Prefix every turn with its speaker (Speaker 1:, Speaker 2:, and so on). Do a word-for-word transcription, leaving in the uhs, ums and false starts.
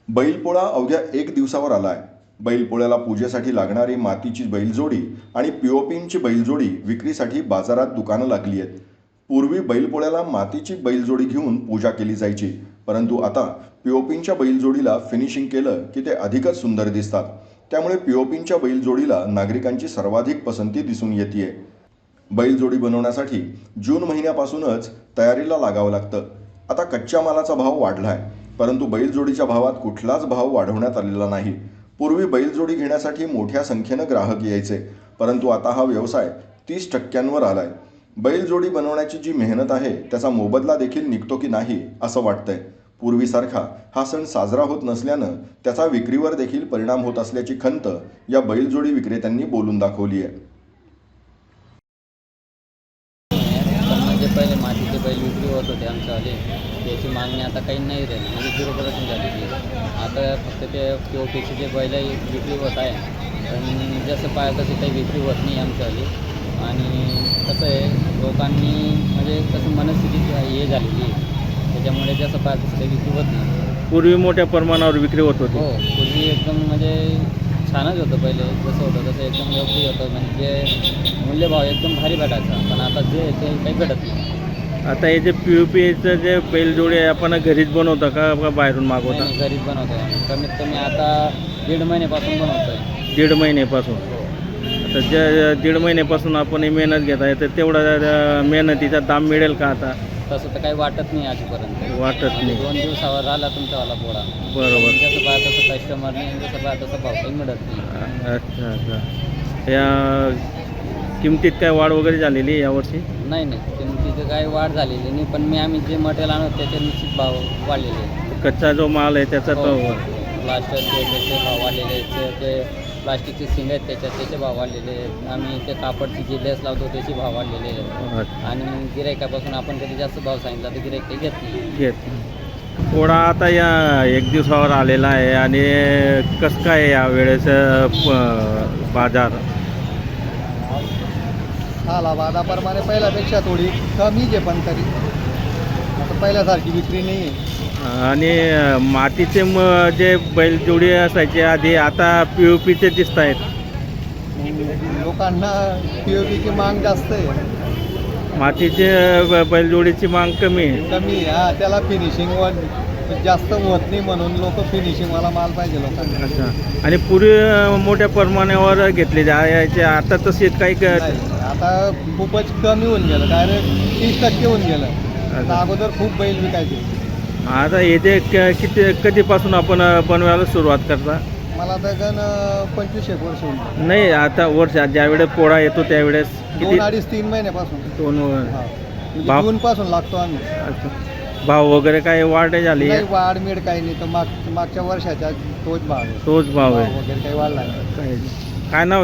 Speaker 1: बैलपोळा अवघ्या एक दिवसावर आलाय. बैलपोळ्याला पूजेसाठी लागणारी मातीची बैलजोडी आणि पीओपींची बैलजोडी विक्रीसाठी बाजारात दुकानं लागली आहेत. पूर्वी बैलपोळ्याला मातीची बैलजोडी घेऊन पूजा केली जायची, परंतु आता पीओपींच्या बैलजोडीला फिनिशिंग केलं की ते अधिकच सुंदर दिसतात. त्यामुळे पीओपींच्या बैलजोडीला नागरिकांची सर्वाधिक पसंती दिसून येते. बैलजोडी बनवण्यासाठी जून महिन्यापासूनच तयारीला लागावं लागतं. आता कच्च्या मालाचा भाव वाढलाय, परंतु बैलजोडीच्या भावात कुठलाच भाव वाढवण्यात आलेला नाही. पूर्वी बैलजोडी घेण्यासाठी मोठ्या संख्येनं ग्राहक यायचे, परंतु आता हा व्यवसाय तीस टक्क्यांवर आलाय. बैलजोडी बनवण्याची जी मेहनत आहे त्याचा मोबदला देखील निघतो की नाही असं वाटतंय. पूर्वीसारखा हा सण साजरा होत नसल्यानं त्याचा विक्रीवर देखील परिणाम होत असल्याची खंत या बैलजोडी विक्रेत्यांनी बोलून दाखवली आहे.
Speaker 2: म्हणजे पहिले मातीचे बैल विक्री होत होते आमच्यावाले, त्याची मागणी आता काही नाही राहिली, म्हणजे झिरो पर्सेंट झालेली आहे. आता फक्त ते पी ओ पीचे जे बैल विक्री होत आहे, पण जसं पाहिजे तशी काही विक्री होत नाही आमच्यावाली. आणि कसं आहे, लोकांनी म्हणजे कसं मनस्थिती हे झालेली आहे, त्याच्यामुळे जसं पाहिजे तसं काही विक्री होत नाही.
Speaker 3: पूर्वी मोठ्या प्रमाणावर विक्री होत होती.
Speaker 2: हो, पूर्वी एकदम म्हणजे छानच होतं. पहिले जसं होतं तसं एकदम योग्य होतं, म्हणजे मूल्यभाव एकदम भारी भेटायचा. पण आता जे ते काही भेटत नाही.
Speaker 3: आता हे जे पी ओ पीचं जे बैलजोडी आहे आपण घरीच बनवता का का बाहेरून मागवता?
Speaker 2: नाही, घरीच बनवतो आम्ही. कमीत कमी आता दीड महिन्यापासून बनवतो आहे.
Speaker 3: दीड महिन्यापासून. आता ज्या दीड महिन्यापासून आपण ही मेहनत घेत आहे, तर तेवढा मेहनतीचा दाम मिळेल का आता?
Speaker 2: तसं तर काही वाटत नाही आजपर्यंत.
Speaker 3: वाटत नाही.
Speaker 2: दोन दिवसावर आला तुमच्यावाला पोळा.
Speaker 3: बरोबर.
Speaker 2: जसं पाहिजे तसं कस्टमर नाही, जसं पाहिजे तसं भाव काही मिळत नाही.
Speaker 3: अच्छा अच्छा. या किमतीत काय वाढ वगैरे झालेली आहे यावर्षी?
Speaker 2: नाही नाही, किमतीचं काही वाढ झालेली नाही, पण मी आम्ही जे मटेरियल आणतो त्याचे निश्चित भाव वाढलेले आहेत.
Speaker 3: कच्चा जो माल आहे त्याचा तो
Speaker 2: प्लास्टरचे त्याचे भाव वाढलेले आहेत. ते प्लास्टिकचे सिंग आहेत त्याच्यात त्याचे भाव वाढलेले आहेत. आम्ही ते कापडची जी लेस लावतो त्याचे भाव वाढलेले आहेत. आणि गिरायकापासून आपण कधी जास्त भाव सांगितला तर गिरायक ते घेत नाही.
Speaker 3: घेत पोळा आता या एक दिवसावर आलेला आहे, आणि कसं काय या वेळेस बाजार?
Speaker 4: हाला वादाप्रमाणे पहिल्यापेक्षा थोडी कमीच आहे, पण तरी आता पहिल्यासारखी विक्री नाही आहे.
Speaker 3: आणि मातीचे म जे बैलजोडी असायचे आधी, आता पी ओ पीचे दिसत आहेत.
Speaker 4: लोकांना पी ओ पीची माग जास्त आहे,
Speaker 3: मातीचे ब- बैलजोडीची माग कमी आहे.
Speaker 4: कमी आहे. हा, त्याला फिनिशिंग जास्त होत नाही, म्हणून लोक फिनिशिंगवाला माल पाहिजे लोकांना.
Speaker 3: अच्छा. आणि पूर्वी मोठ्या प्रमाणावर घेतले जायचे, आता तसे काही क-
Speaker 4: नाही, आता खूपच कमी होऊन गेलं, डायरेक्ट तीस टक्के होऊन गेलं. आता अगोदर खूप बैल विकायचे.
Speaker 3: आता हे जे क- किती कधीपासून आपण बनवायला सुरुवात करता?
Speaker 4: मला तर गण पंचवीस एक वर्ष होऊन गेलं.
Speaker 3: नाही, आता वर्ष ज्यावेळेस पोळा येतो त्यावेळेस किती?
Speaker 4: दोन अडीच तीन महिन्यापासून.
Speaker 3: दोन वर-
Speaker 4: हा, म्हणजे
Speaker 3: बाप.
Speaker 4: जून पासून लागतो आम्ही.
Speaker 3: अच्छा. भाव वगैरे काय वाढ झाली?
Speaker 4: नाही, वाढ मिळ काही नाही, तर माग मागच्या वर्षाच्या तोच भाव आहे.
Speaker 3: तोच भाव आहे.
Speaker 4: वगैरे काही वाढला नाही.
Speaker 3: काय काय नाव